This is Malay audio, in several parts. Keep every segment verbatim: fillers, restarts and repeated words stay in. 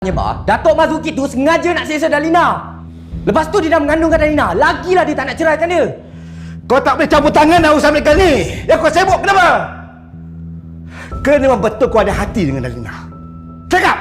Bah, Datuk Mazuki tu sengaja nak seksa Dalina. Lepas tu dia dah mengandungkan Dalina. Lagilah dia tak nak ceraikan dia. Kau tak boleh campur tangan dalam urusan mereka ni. Yang kau sibuk kenapa? Ke memang betul kau ada hati dengan Dalina? Cakap!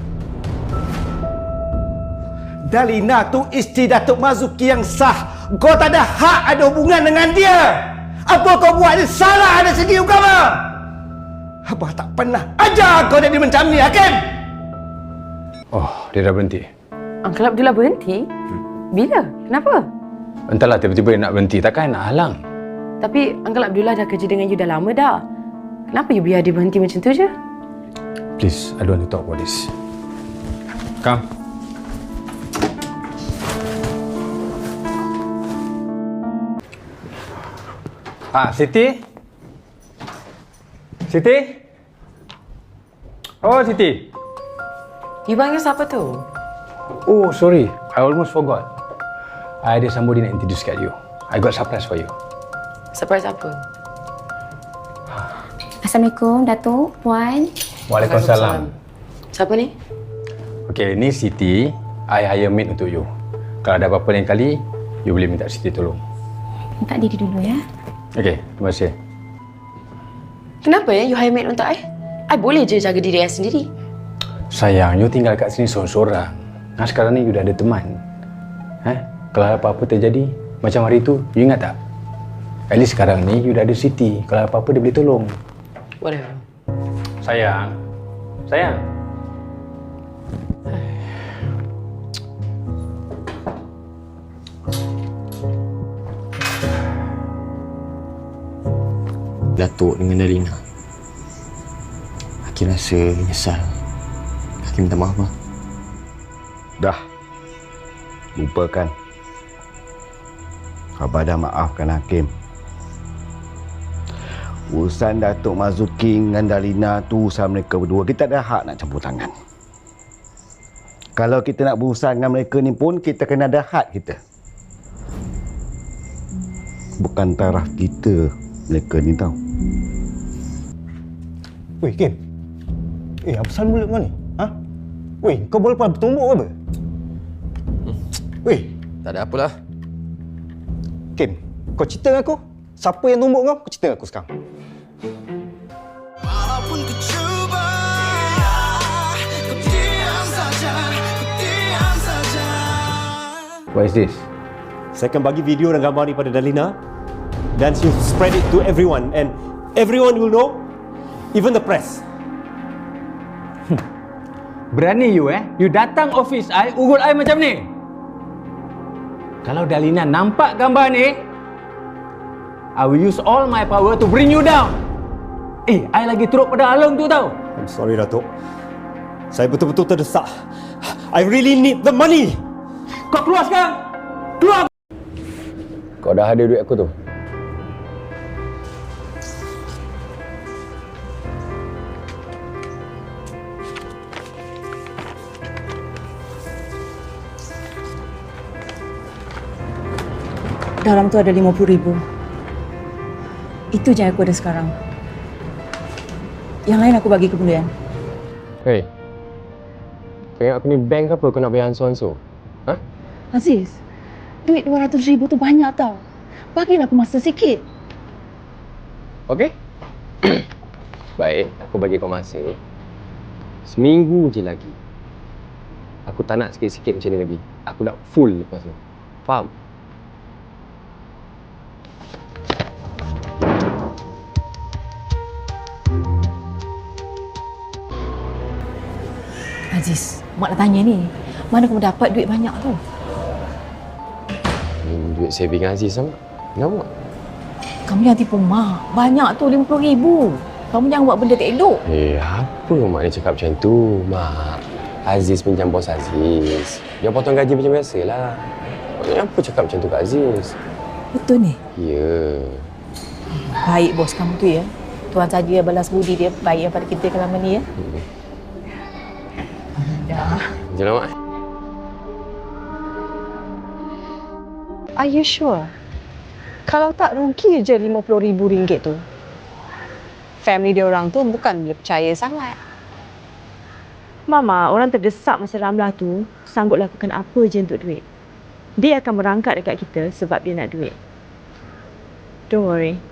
Dalina tu isteri Datuk Mazuki yang sah. Kau tak ada hak ada hubungan dengan dia. Apa kau buat ni salah ada segi agama. Abah tak pernah ajar kau jadi macam ni, Hakim. Oh, dia dah berhenti. Uncle Abdullah berhenti? Hmm. Bila? Kenapa? Entahlah, tiba-tiba dia nak berhenti. Takkan nak halang? Tapi Uncle Abdullah dah kerja dengan you dah lama dah. Kenapa you biar dia berhenti macam tu je? Please, I don't want to talk about this. Come. Ah, Siti? Siti? Oh, Siti. You panggil siapa tu? Oh, sorry. I almost forgot. I ada somebody nak introduce kat you. I got surprise for you. Surprise apa? Assalamualaikum, Datuk, Puan. Waalaikumsalam. Siapa ni? Okay, ni Siti. I hire maid untuk you. Kalau ada apa-apa lain kali, you boleh minta Siti tolong. Minta diri dulu ya. Okay, terima kasih. Kenapa ya you hire maid untuk I? I boleh je jaga diri I sendiri. Sayang, you tinggal kat sini seorang-seorang. Nah, sekarang ni you dah ada teman. Eh? Kalau apa-apa terjadi, macam hari tu, you ingat tak? At least sekarang ni, you dah ada Siti. Kalau apa-apa, dia boleh tolong. Whatever. Sayang. Sayang. Datuk dengan Dalina. Hakim rasa menyesal. Hakim minta maaf, Bang. Dah. Lupakan. Abah dah maafkan Hakim. Urusan Datuk Mazuki dengan Dalina tu urusan mereka berdua. Kita ada hak nak campur tangan. Kalau kita nak berurusan dengan mereka ni pun, kita kena ada hak kita. Bukan taraf kita mereka ni tau. Weh, Kim. Eh, apa pasal mulut kau ni? Ha? Weh, kau boleh pada bertumbuk ke apa? Hmm. Weh. Tak ada apalah. Kim, kau cerita dengan aku. Siapa yang tumbuk kau? Kau cerita dengan aku sekarang. Walaupun ku cuba, ku diam saja, ku diam saja. What is this? Saya akan bagi video dan gambar ni pada Dalina. Dan she'll spread it to everyone. And everyone will know, even the press. Berani you eh? You datang office I, urut I macam ni? Kalau Dalina nampak gambar ni, I will use all my power to bring you down. Eh, I lagi teruk pada Along tu tau. I'm sorry, Datuk. Saya betul-betul terdesak. I really need the money. Kau keluar sekarang! Keluar! Kau dah ada duit aku tu. Dalam tu ada lima puluh ribu. Itu je aku ada sekarang. Yang lain aku bagi kemudian. Hei. Kau ingat aku ni bank ke apa kau nak bayar ansur-ansur? Ha? Aziz, duit dua ratus ribu tu banyak tau. Bagilah aku masa sikit. Okey? Baik, aku bagi kau masa. Seminggu je lagi. Aku tak nak sikit-sikit macam ni lagi. Aku nak full lepas tu. Faham? Aziz, mak nak tanya ni. Mana kamu dapat duit banyak tu? Ini duit saving Aziz sama. Kenapa? Kamu jangan tipu mak. Banyak tu lima puluh ribu. Kamu jangan buat benda tak elok. Eh, apa mak ni cakap macam tu? Mak, Aziz pinjam bos Aziz. Dia potong gaji macam biasalah. Apa cakap macam tu kat Aziz? Betul ni? Ya. Baik bos kamu tu ya. Tuan saja balas budi dia baik pada kita selama ni ya. Hmm. Dah. Jom mak. Are you sure? Kalau tak rugi je lima puluh ribu ringgit tu. Family dia orang tu bukan boleh percaya sangat. Mama, orang terdesak masa Ramlah tu sanggup lakukan apa je untuk duit. Dia akan merangkak dekat kita sebab dia nak duit. Don't worry.